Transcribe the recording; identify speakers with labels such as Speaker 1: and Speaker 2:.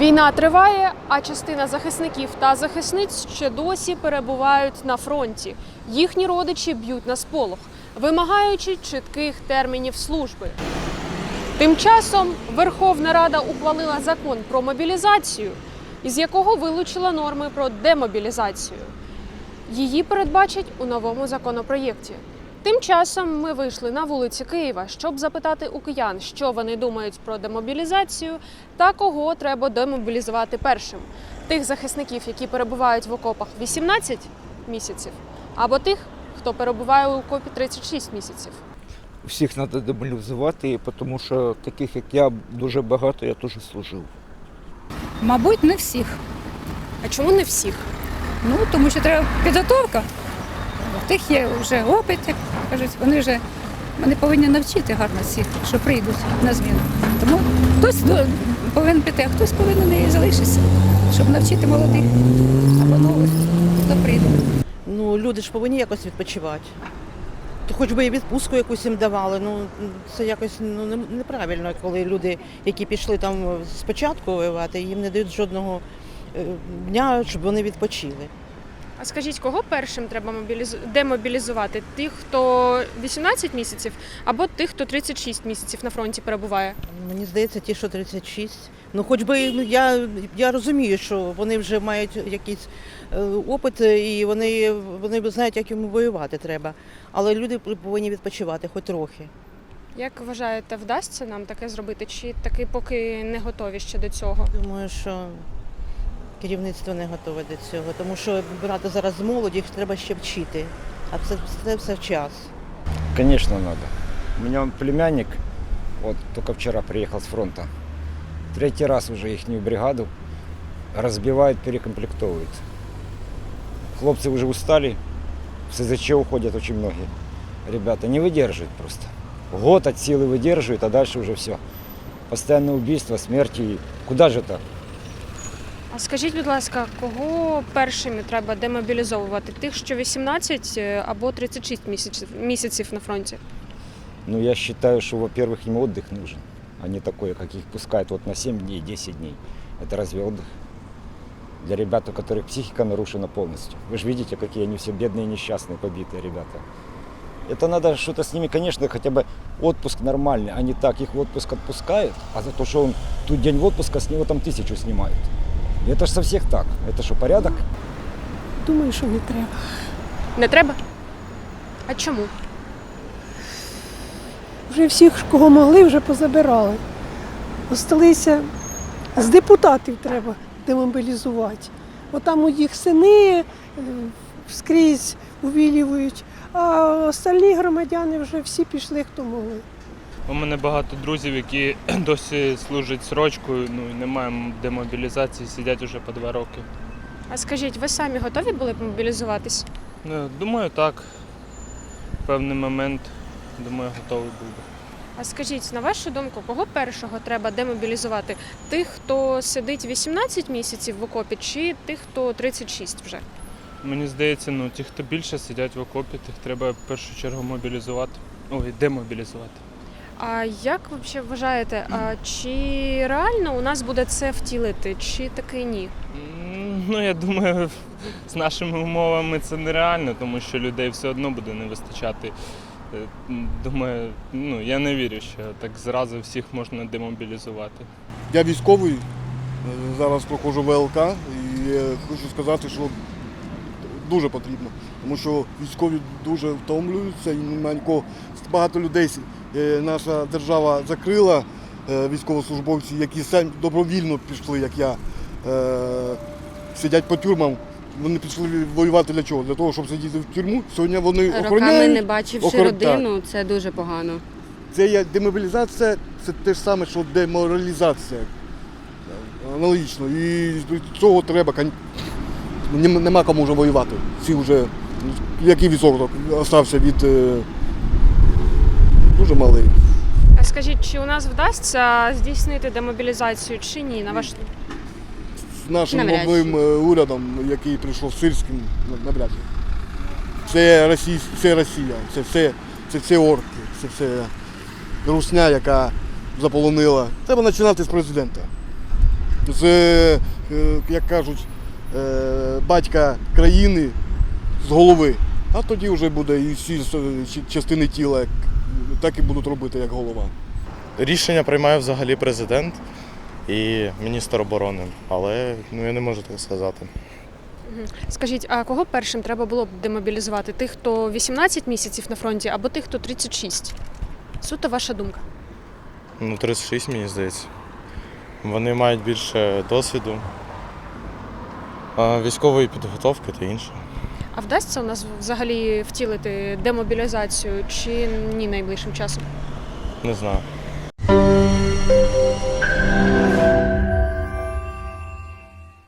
Speaker 1: Війна триває, а частина захисників та захисниць ще досі перебувають на фронті. Їхні родичі б'ють на сполох, вимагаючи чітких термінів служби. Тим часом Верховна Рада ухвалила закон про мобілізацію, із якого вилучила норми про демобілізацію. Її передбачать у новому законопроєкті. Тим часом ми вийшли на вулиці Києва, щоб запитати у киян, що вони думають про демобілізацію та кого треба демобілізувати першим. Тих захисників, які перебувають в окопах 18 місяців, або тих, хто перебуває у окопі 36 місяців.
Speaker 2: Всіх треба демобілізувати, тому що таких, як я, дуже багато, я теж служив.
Speaker 3: Мабуть, не всіх.
Speaker 1: А чому не всіх?
Speaker 3: Ну, тому що треба підготовка. У тих є вже опит, як кажуть, вони повинні навчити гарно всіх, що прийдуть на зміну. Тому хтось повинен піти, а хтось повинен і залишитися, щоб навчити молодих або нових, хто прийде.
Speaker 4: Ну, люди ж повинні якось відпочивати. То хоч би і відпустку якусь їм давали. Ну, це якось неправильно, коли люди, які пішли там спочатку воювати, їм не дають жодного дня, щоб вони відпочили.
Speaker 1: А скажіть, кого першим треба демобілізувати? Тих, хто 18 місяців, або тих, хто 36 місяців на фронті перебуває?
Speaker 4: Мені здається, ті, що 36. Ну, хоч би я розумію, що вони вже мають якийсь опит і вони знають, як йому воювати треба. Але люди повинні відпочивати хоч трохи.
Speaker 1: Як вважаєте, вдасться нам таке зробити? Чи таки поки не готові ще до цього?
Speaker 4: Думаю, що керівництво не готове до цього, тому що брати зараз з молоді, їх треба ще вчити, а це все час.
Speaker 5: Конечно, надо. У меня племянник, вот только вчера приехал с фронта, третий раз уже ихнюю бригаду разбивают, перекомплектовывают. Хлопцы уже устали, в СЗЧ уходят очень многие. Ребята не выдерживают просто. Год от силы выдерживают, а дальше уже все. Постоянное убийство, смерти. Куда же так?
Speaker 1: А скажіть, будь ласка, кого першими треба демобілізовувати? Тих, що 18 або 36 місяців на фронті?
Speaker 5: Ну, я считаю, что, во-первых, им отдых нужен, а не такое, как их пускают вот на 7 дней, 10 дней. Это разве отдых? Для ребят, у которых психика нарушена полностью. Вы же видите, какие они все бедные, несчастные, побитые ребята. Это надо что-то с ними, конечно, хотя бы отпуск нормальный, а не так, их в отпуск отпускают, а за то, что он тут день отпуска, с него там 1000 снимают. И это же со всех так. Это что, порядок?
Speaker 6: Думаю, що не треба.
Speaker 1: Не треба? А чому?
Speaker 6: Вже всіх, кого могли, вже позабирали. Осталися з депутатів треба демобілізувати. Отам у їх сини скрізь увілюють, а остальні громадяни вже всі пішли, хто могли.
Speaker 7: У мене багато друзів, які досі служать срочкою, ну і немає демобілізації, сидять уже по 2 роки.
Speaker 1: А скажіть, ви самі готові були б мобілізуватись?
Speaker 7: Ну, думаю, так. В певний момент, думаю, готовий був би.
Speaker 1: А скажіть, на вашу думку, кого першого треба демобілізувати? Тих, хто сидить 18 місяців в окопі, чи тих, хто 36 вже?
Speaker 7: Мені здається, ну ті, хто більше сидять в окопі, тих треба в першу чергу мобілізувати. Ой, демобілізувати.
Speaker 1: А як ви взагалі вважаєте, чи реально у нас буде це втілити, чи таки ні?
Speaker 7: Ну, я думаю, з нашими умовами це нереально, тому що людей все одно буде не вистачати. Думаю, ну, я не вірю, що так зразу всіх можна демобілізувати.
Speaker 8: Я військовий, зараз проходжу ВЛК і хочу сказати, що дуже потрібно, тому що військові дуже втомлюються і немає нікого. Багато людей наша держава закрила, військовослужбовці, які самі добровільно пішли, як я, сидять по тюрмам. Вони пішли воювати для чого? Для того, щоб сидіти в тюрму. Сьогодні вони охороняють.
Speaker 9: Роками не бачивши родину, це дуже погано.
Speaker 8: Це є демобілізація, це те ж саме, що деморалізація. Аналогічно. І цього треба. Нема кому вже воювати. Всі вже, який відсоток залишився від дуже малий.
Speaker 1: А скажіть, чи у нас вдасться здійснити демобілізацію, чи ні? На ваш...
Speaker 8: З нашим новим урядом, який прийшов сирським, навряд чи. Це Росія, це все орки, це все русня, яка заполонила. Треба починати з президента. з, як кажуть, батька країни з голови. А тоді вже буде і всі частини тіла так і будуть робити, як голова.
Speaker 10: Рішення приймає взагалі президент і міністр оборони, але я не можу так сказати.
Speaker 1: Скажіть, а кого першим треба було б демобілізувати? Тих, хто 18 місяців на фронті, або тих, хто 36? Суто ваша думка.
Speaker 10: 36, мені здається. Вони мають більше досвіду, військової підготовки та інше.
Speaker 1: А вдасться у нас взагалі втілити демобілізацію чи ні найближчим часом?
Speaker 10: Не знаю.